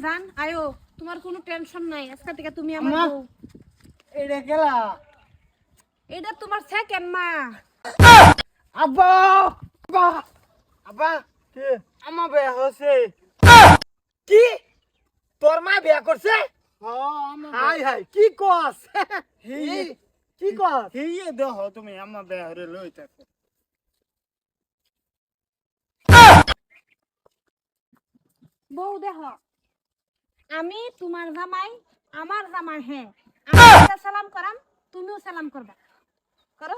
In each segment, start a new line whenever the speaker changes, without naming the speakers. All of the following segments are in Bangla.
জান আয়ো, তোমার কোনো টেনশন নাই, আজকে থেকে তুমি আমার বউ।
এটা কেলা
এটা তোমার সেকেন্ড মা।
আব্বা আব্বা আব্বা
কি
আমার বিয়া হচ্ছে কি তোর মা বিয়া করছে হাই হাই কি কস কি কস
হিয়ে দেহ তুমি আমার বেহরে লইতেছো
বউ দেহ, আমি তোমার জামাই, আমার জামাই। হ্যাঁ, আমি একটা সালাম করাম, তুমিও সালাম করবা, করো।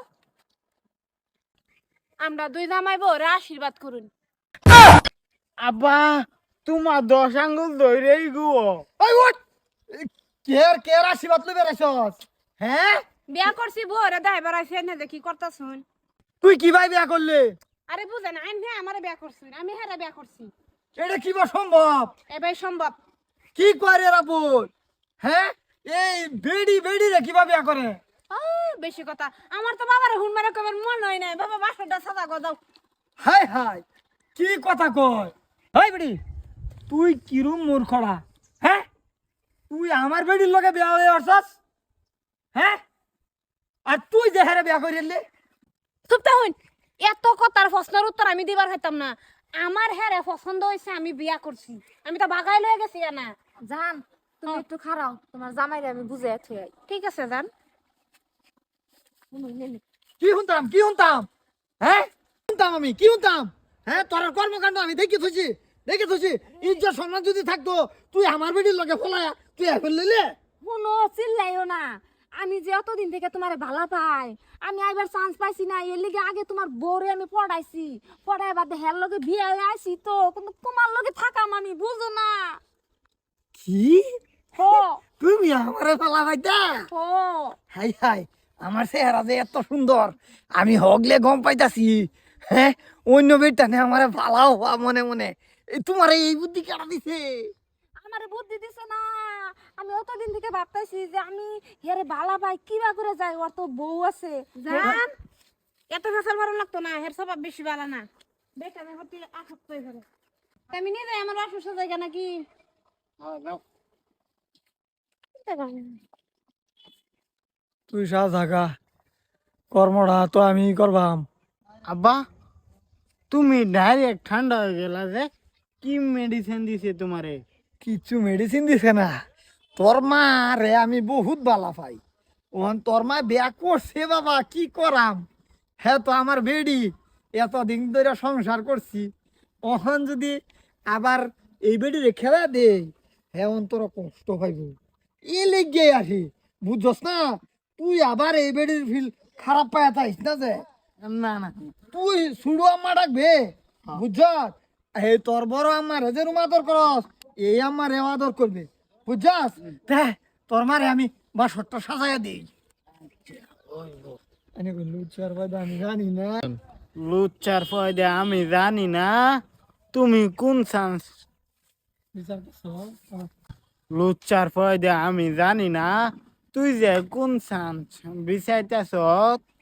আমরা দুই জামাই বউরে আশীর্বাদ করুন।
আব্বা তোমার 10 আঙ্গুল ধরেই গো
ওই ওঠ কের কের আশীর্বাদ লই বেরাইছস হ্যাঁ
বিয়া করছি বউরে দেয় বেড়াইছে না, দেখি করতেছুন।
তুই কি ভাই বিয়া করলি
আরে বুঝেন আইন, হ্যাঁ আমারে বিয়া করছি, আমি হ্যাঁ বিয়া করছি।
এটা কি বা সম্ভব
এবার সম্ভব।
কি করে রাপুল হ্যাঁ এই বেডি বেডি রে কিভাবে বিয়া করে
বেশি কথা, আমার তো বাবার হুন মারা কবার মন হয় নাই, বাবা বাসনটা সাদা গজাও।
হাই হাই কি কথা কয় হাই বেডি তুই কিরম মূর্খড়া হ্যাঁ তুই আমার বেডির লগে বিয়া হয়ে আসছস হ্যাঁ আর তুই যে হারে বিয়া করিলি
চুপটা হইন, এত কথার প্রশ্নের উত্তর আমি দিবার হইতাম না। আমার হ্যাঁ পছন্দ হয়েছে, আমি বিয়া করছি, আমি তো বাগাই লয়ে গেছি না।
জান তুমি একটু খারাও, তোমার জামাইরে আমি বুঝে থুই।
ঠিক আছে জান।
কি শুনতাম হ্যাঁ শুনতাম আমি কি শুনতাম হ্যাঁ তোর কর্মকাণ্ড আমি দেখে থুছি ইজ্জত সম্মান যদি থাকতো তুই আমার বেডির লগে ফলায়া তুই এখন লইলে
শুনো, চিল্লাইও না। আমি যে অতদিন থেকে তোমারে ভালো পাই, আমি আইবার চান্স পাইছি না, এর লিগে আগে তোমার বউরে আমি পড়াইছি, পড়াই বাদে হের লগে বিয়ে হয়ে আইছি তো, কিন্তু তোমার লগে থাকা মানে বুঝো না।
কি
হো
তুমি আমারে ফলা পাইতা
হো
হাই হাই আমার চেহারা যে এত সুন্দর আমি হগলে গম পাইতাছি হ্যাঁ অন্য বেটানে আমারে ফালাও মনে মনে তোমার এই বুদ্ধি কেনা দিছে
আমারে বুদ্ধি দিছে না। আমি অতদিন থেকে ভাবতাছি যে আমি হেরে ভালো পাই, কিবা করে যাই, ওর তো বউ আছে।
জান এত ফেসাল ভালো লাগতো না, হের স্বভাব বেশি ভালো না, বেকার হতে আসক্ত হয়ে ধরে। আমি নিয়ে যাই আমার অসুস্থ জায়গা নাকি।
তুই সা থাকা কর্মটা তো আমি করবাম
আব্বা তুমি ডাইরেক্ট ঠান্ডা হয়ে গেলা যে কি মেডিসিন দিছে তোমারে
কিছু মেডিসিন দিছে না তোর মা রে আমি বহুত বালা পাই ওহন তোর মা বিয়া করছে বাবা কি করাম হ্যাঁ তো আমার বেডি এতদিন ধরে সংসার করছি ওহন যদি আবার এই বেডিরে খেলা দে হ্যাঁ তোর কষ্ট পাইব এ লেগে আসি বুঝছস না তুই আবার এই বেডির ফিল খারাপ পায়া থাইস না যে
না না
তুই সুড়ো আম্মা ডাকবে বুঝছ এই তোর বড় আম্মা রে যে রুম আদর করস এই আম্মা রে আদর করবে বুঝছস দেখ তোর মারে আমি বাসরটা সাজাইয়া দিই লুচার বাদা আমি জানি না
লুচ্চার ফয়দা আমি জানি না তুমি কোন চান্স লুচ্চার ফয়দা আমি জানি না তুই যে কোন চান্স বিচাইতেছ